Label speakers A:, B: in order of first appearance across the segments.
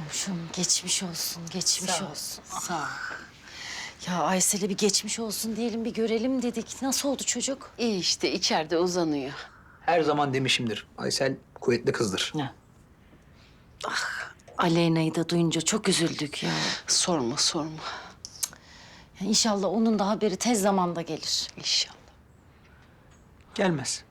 A: Komşum geçmiş olsun, geçmiş
B: Sağ ol,
A: olsun.
B: sağ ol.
A: Ya Aysel'e bir geçmiş olsun diyelim, bir görelim dedik. Nasıl oldu çocuk?
B: İyi işte içeride uzanıyor.
C: Her zaman demişimdir. Aysel kuvvetli kızdır.
A: Ne? Aleyna'yı da duyunca çok üzüldük ya.
B: Sorma sorma.
A: Ya İnşallah onun da haberi tez zamanda gelir.
B: İnşallah.
C: Gelmez.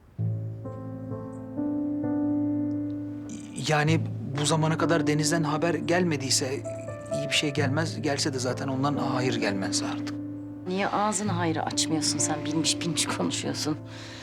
C: Yani bu zamana kadar Deniz'den haber gelmediyse iyi bir şey gelmez. Gelse de zaten ondan hayır gelmez artık.
A: Niye ağzını hayra açmıyorsun sen? Bilmiş bilmiş konuşuyorsun.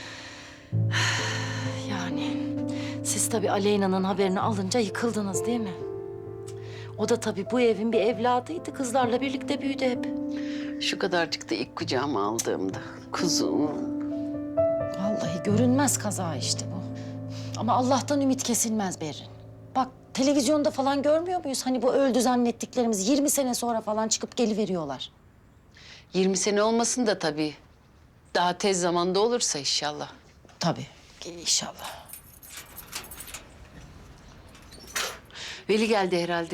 A: Yani siz tabii Aleyna'nın haberini alınca yıkıldınız değil mi? O da tabii bu evin bir evladıydı. Kızlarla birlikte büyüdü hep.
B: Şu kadarcık da ilk kucağıma aldığımda. Kuzum.
A: Vallahi görünmez kaza işte bu. Ama Allah'tan ümit kesilmez Berrin. Bak televizyonda falan görmüyor muyuz? Hani bu öldü zannettiklerimiz 20 sene sonra falan çıkıp geliveriyorlar.
B: 20 sene olmasın da tabii. Daha tez zamanda olursa inşallah.
A: Tabii inşallah.
B: Veli geldi herhalde.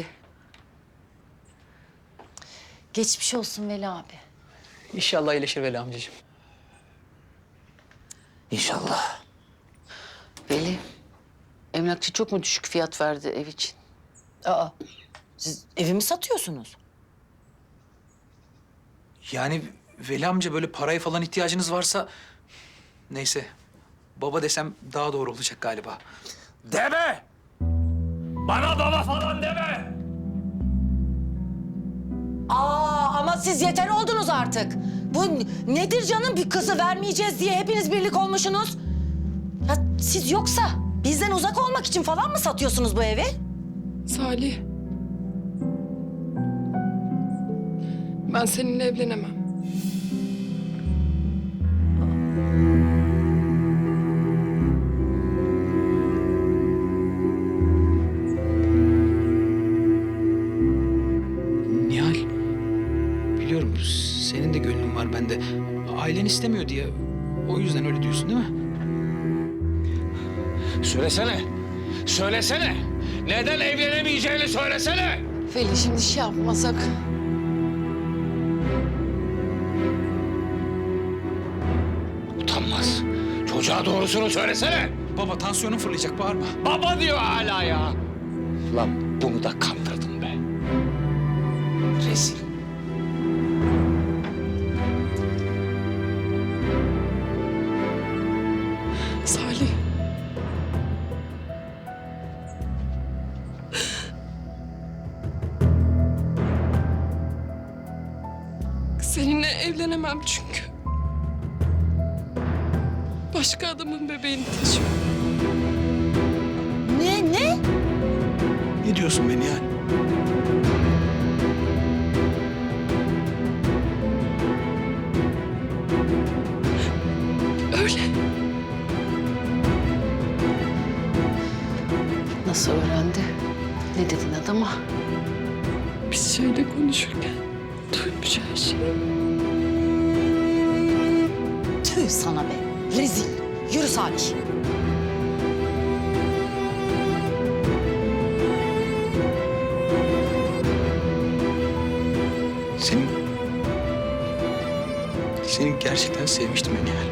A: Geçmiş olsun Veli abi.
C: İnşallah iyileşir Veli amcacığım. İnşallah.
B: Veli, emlakçı çok mu düşük fiyat verdi ev için?
A: Aa, siz evimi satıyorsunuz.
C: Yani Veli amca böyle paraya falan ihtiyacınız varsa... Neyse. Baba desem daha doğru olacak galiba.
D: Deme! Bana baba falan deme!
A: Ama siz yeter oldunuz artık. Bu nedir canım, bir kızı vermeyeceğiz diye hepiniz birlik olmuşsunuz. Ya siz yoksa bizden uzak olmak için falan mı satıyorsunuz bu evi?
E: Salih. Ben seninle evlenemem.
C: Nihal, biliyorum senin de gönlün var bende. Ailen istemiyor diye o yüzden öyle diyorsun değil mi?
D: Söylesene! Söylesene! Neden evlenemeyeceğini söylesene!
B: Veli şimdi şey yapmasak.
D: Utanmaz. Çocuğa doğrusunu söylesene!
C: Baba tansiyonun fırlayacak, bağırma.
D: Baba diyor hala ya! Lan bunu da kandırdın be. Rezil.
E: Salih. Seninle evlenemem çünkü. Başka adamın bebeğini taşıyor.
A: Ne?
C: Ne diyorsun be Nihal?
E: Öyle.
B: Nasıl öğrendi? Ne dedin adama?
E: Biz şeyle konuşurken duymuş her şeyi.
A: Tüh sana be, rezil. Yürü Salih.
C: Seni gerçekten sevmiştim ben Nihal.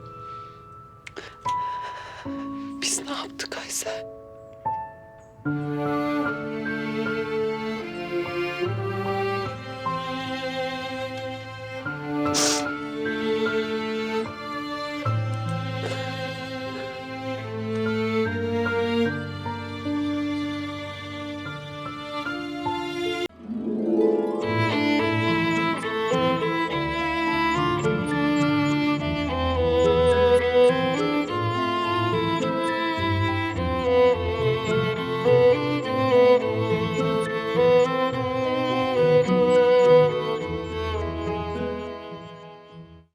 E: Biz ne yaptık Aysel?